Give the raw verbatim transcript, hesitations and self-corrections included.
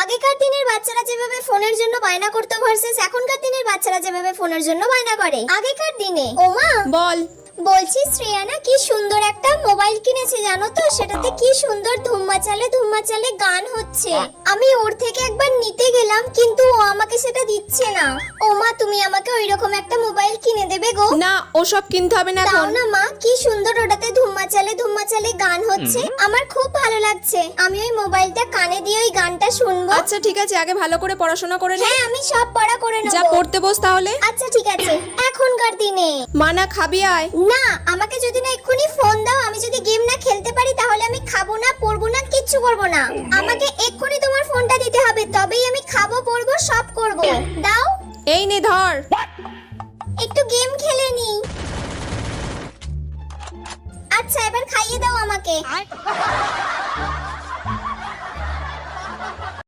আগেকার দিনের বাচ্চারা যেভাবে ফোনের জন্য বায়না করতো ভার্সেস এখনকার দিনের বাচ্চারা যেভাবে ফোনের জন্য বায়না করে। আগেকার দিনে ওমা বল। বলছি শ্রেয়ানা কি সুন্দর একটা মোবাইল কিনেছে জানো তো, সেটাতে কি সুন্দর ধুম্মা চালে ধুম্মা চালে গান হচ্ছে। আমি ওর থেকে একবার নিতে গেলাম কিন্তু ও আমাকে সেটা দিচ্ছে না। ও মা তুমি আমাকে ওইরকম একটা মোবাইল কিনে দেবে গো? না ওসব কিনতে হবে না দাও এখন। না মা, কি সুন্দর ওটাতে ধুম্মা চালে ধুম্মা চালে গান হচ্ছে, আমার খুব ভালো লাগছে। আমি ওই মোবাইলটা কানে দিয়ে ওই গানটা শুনবো। আচ্ছা ঠিক আছে, আগে ভালো করে পড়াশোনা করে নে। হ্যাঁ আমি সব পড়া করে নেব। যা পড়তে বস তাহলে। আচ্ছা ঠিক আছে। এখনকার দিনে মানা খাবি আয়। না, আমাকে যদি না এক্ষুনি ফোন দাও, আমি যদি গেম না খেলতে পারি তাহলে আমি খাবো না পড়বো না কিচ্ছু করবো না। আমাকে এক্ষুনি তোমার ফোনটা দিতে হবে, তবেই আমি খাবো পড়বো সব করবো। দাও। এই নে ধর। একটু গেম খেলে নি। আচ্ছা এবার খাইয়ে দাও আমাকে।